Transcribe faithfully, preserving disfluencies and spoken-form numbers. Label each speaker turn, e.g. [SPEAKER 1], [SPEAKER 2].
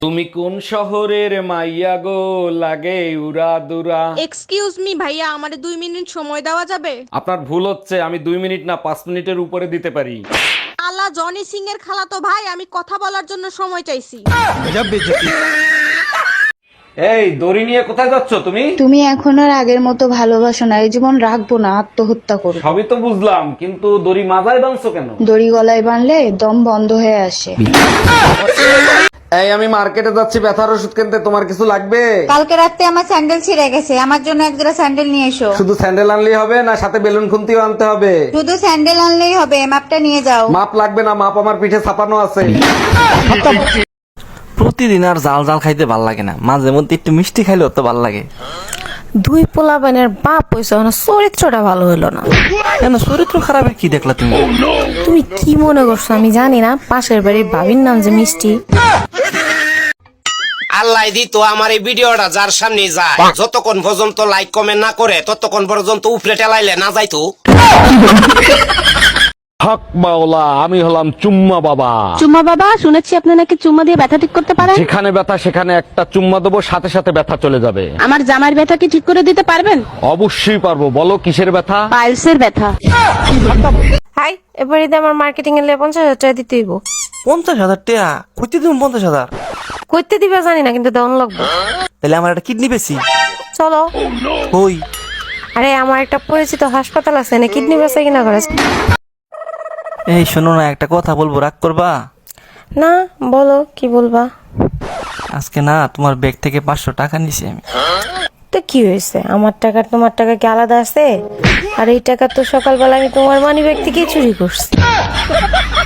[SPEAKER 1] তুমি কোন শহরের মাইয়া গো, লাগে উরা দুরা?
[SPEAKER 2] এক্সকিউজ মি ভাইয়া, আমারে দুই মিনিট সময় দেওয়া যাবে?
[SPEAKER 1] আপনার ভুল হচ্ছে, আমি দুই মিনিট না পাঁচ মিনিটের উপরে দিতে পারি।
[SPEAKER 2] আলা জনি সিং এর খালাতো ভাই, আমি কথা বলার জন্য সময় চাইছি।
[SPEAKER 1] এই দড়ি নিয়ে কোথায় যাচ্ছ তুমি?
[SPEAKER 3] তুমি এখন আর আগের মতো ভালোবাসো না, এই জীবন রাখবো না, আত্মহত্যা করো।
[SPEAKER 1] সবই তো বুঝলাম, কিন্তু দড়ি মাথায় বাঁধছো কেন?
[SPEAKER 3] দড়ি গলায় বানলে দম বন্ধ হয়ে আসে।
[SPEAKER 1] এই আমি মার্কেটে যাচ্ছি ব্যথার ওষুধ কিনতে, তোমার কিছু লাগবে?
[SPEAKER 4] কালকে রাতে আমার স্যান্ডেল ছিঁড়ে গেছে, আমার জন্য এক জোড়া স্যান্ডেল নিয়ে এসো।
[SPEAKER 1] শুধু স্যান্ডেল আনলেই হবে না, সাথে বেলুন খুন্তিও আনতে হবে?
[SPEAKER 4] শুধু স্যান্ডেল আনলেই হবে, মাপটা নিয়ে যাও।
[SPEAKER 1] মাপ লাগবে না, মাপ আমার পিঠে ছাপানো আছে।
[SPEAKER 5] প্রতিদিন আর জাল জাল খাইতে ভাল লাগে না, মাঝে মধ্যে একটু মিষ্টি খাইলেও তো ভাল লাগে।
[SPEAKER 6] দুই পোলাপানের বাপ হইছে, না চরিত্রটা ভালো হইলো না।
[SPEAKER 5] কেন চরিত্র খারাপের কি দেখলা তুমি?
[SPEAKER 6] তুমি কি মনে করছো আমি জানি না? পাশের বাড়ির ভাবির নাম যে মিষ্টি।
[SPEAKER 7] আল্লাহ দিত আমার এই ভিডিওটা যার সামনে যায়, যতক্ষণ পর্যন্ত লাইক কমেন্ট না করে ততক্ষণ পর্যন্ত উপরে টেলাইলে না যাইতো।
[SPEAKER 1] হক মাওলা, আমি হলাম চুম্মা বাবা।
[SPEAKER 8] চুম্মা বাবা, শুনেছি আপনি নাকি চুম্মা দিয়ে ব্যথা ঠিক করতে পারেন।
[SPEAKER 1] যেখানে ব্যথা সেখানে একটা চুম্মা দেবো, সাথে সাথে ব্যথা চলে যাবে।
[SPEAKER 8] আমার জামার ব্যথা কি ঠিক করে দিতে পারবেন?
[SPEAKER 1] অবশ্যই পারবো, বলো কিসের ব্যথা?
[SPEAKER 8] পাইলসের ব্যথা।
[SPEAKER 6] হাই, এবারে আমার মার্কেটিং এর পঞ্চাশ হাজার টাকা দিতে হইব।
[SPEAKER 5] পঞ্চাশ হাজার টাকা কইতে দিন? পঞ্চাশ হাজার
[SPEAKER 6] করতে দিবা জানি না, কিন্তু দেওয়ান লাগবে।
[SPEAKER 5] তাহলে আমার একটা কিডনি বেশি।
[SPEAKER 6] চলো।
[SPEAKER 5] হই
[SPEAKER 6] আরে আমার একটা পরিচিত হাসপাতাল আছে, না কিডনি বেচা কিনা করে।
[SPEAKER 5] এই শোনো না, একটা কথা বলবো, রাগ করবা?
[SPEAKER 6] না, বলো কি বলবা।
[SPEAKER 5] আজকে না তোমার ব্যাগ থেকে পাঁচশো টাকা নিছি আমি।
[SPEAKER 6] তো কি হয়েছে, আমার টাকা তোমার টাকা কি আলাদা আছে? আর এই টাকা তো সকালবেলা আমি তোমার মানি ব্যাগ থেকে চুরি করছি।